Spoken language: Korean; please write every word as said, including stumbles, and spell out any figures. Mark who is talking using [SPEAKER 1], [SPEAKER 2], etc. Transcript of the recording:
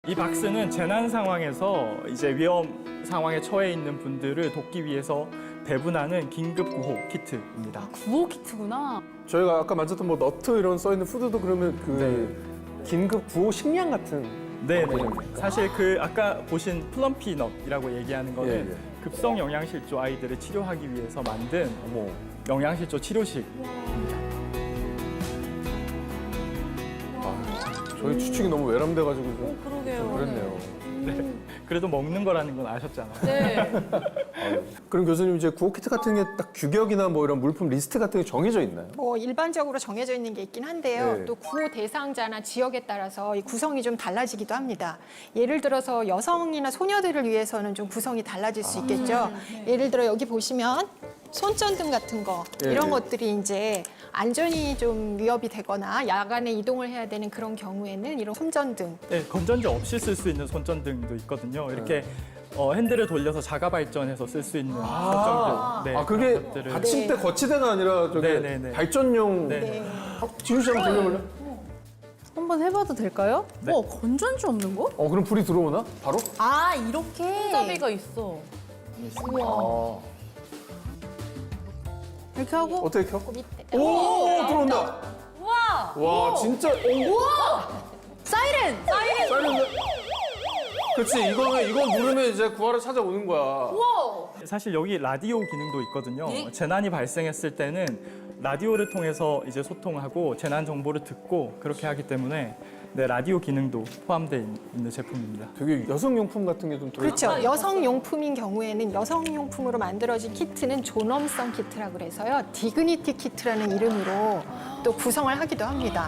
[SPEAKER 1] 이 박스는 재난 상황에서 이제 위험 상황에 처해 있는 분들을 돕기 위해서 배분하는 긴급 구호 키트입니다.
[SPEAKER 2] 구호 키트구나.
[SPEAKER 3] 저희가 아까 만졌던 뭐 너트 이런 써 있는 푸드도 그러면 그 긴급 구호 식량 같은.
[SPEAKER 1] 네, 네.
[SPEAKER 3] 겁니까?
[SPEAKER 1] 사실 그 아까 보신 플럼피넛이라고 얘기하는 거는
[SPEAKER 3] 예, 예.
[SPEAKER 1] 급성 영양실조 아이들을 치료하기 위해서 만든
[SPEAKER 3] 어머.
[SPEAKER 1] 영양실조 치료식.
[SPEAKER 3] 저희 추측이 너무 외람돼가지고 좀
[SPEAKER 2] 그러게요.
[SPEAKER 3] 그랬네요.
[SPEAKER 1] 네. 그래도 먹는 거라는 건 아셨잖아요.
[SPEAKER 2] 네.
[SPEAKER 3] 아유. 그럼 교수님 이제 구호 키트 같은 게 딱 규격이나 뭐 이런 물품 리스트 같은 게 정해져 있나요?
[SPEAKER 4] 뭐 일반적으로 정해져 있는 게 있긴 한데요.
[SPEAKER 3] 네.
[SPEAKER 4] 또 구호 대상자나 지역에 따라서 이 구성이 좀 달라지기도 합니다. 예를 들어서 여성이나 소녀들을 위해서는 좀 구성이 달라질 수 있겠죠. 예를 들어 여기 보시면 손전등 같은 거
[SPEAKER 3] 예,
[SPEAKER 4] 이런
[SPEAKER 3] 예.
[SPEAKER 4] 것들이 이제 안전이 좀 위협이 되거나 야간에 이동을 해야 되는 그런 경우에는 이런 손전등
[SPEAKER 1] 네, 건전지 없이 쓸 수 있는 손전등도 있거든요. 이렇게 어, 핸들을 돌려서 자가 발전해서 쓸 수 있는 손전등. 네,
[SPEAKER 3] 아 그게
[SPEAKER 1] 그런 것들을-
[SPEAKER 3] 받침대 거치대가 아니라 저기
[SPEAKER 1] 네, 네, 네.
[SPEAKER 3] 발전용.
[SPEAKER 1] 네.
[SPEAKER 4] 네.
[SPEAKER 3] 어, 지우 씨 한번 돌려볼래?
[SPEAKER 2] 한번 해봐도 될까요?
[SPEAKER 1] 네.
[SPEAKER 2] 어, 건전지 없는 거?
[SPEAKER 3] 어 그럼 불이 들어오나? 바로?
[SPEAKER 2] 아, 이렇게. 손잡이가 있어.
[SPEAKER 3] 아.
[SPEAKER 2] 이렇게 하고.
[SPEAKER 3] 어떻게 켜?
[SPEAKER 4] 밑에
[SPEAKER 3] 오 들어온다.
[SPEAKER 2] 우와!
[SPEAKER 3] 와 진짜. 오.
[SPEAKER 2] 사이렌! 사이렌!
[SPEAKER 3] 사이렌. 그렇지 이거 이거 누르면 이제 구하러 찾아오는 거야.
[SPEAKER 2] 우와!
[SPEAKER 1] 사실 여기 라디오 기능도 있거든요. 재난이 발생했을 때는 라디오를 통해서 이제 소통하고 재난 정보를 듣고 그렇게 하기 때문에 네, 라디오 기능도 포함되어 있는 제품입니다.
[SPEAKER 3] 되게 여성용품 같은 게 좀 들어.
[SPEAKER 4] 그렇죠. 여성용품인 경우에는 여성용품으로 만들어진 키트는 존엄성 키트라고 그래서요. 디그니티 키트라는 이름으로 또 구성을 하기도 합니다.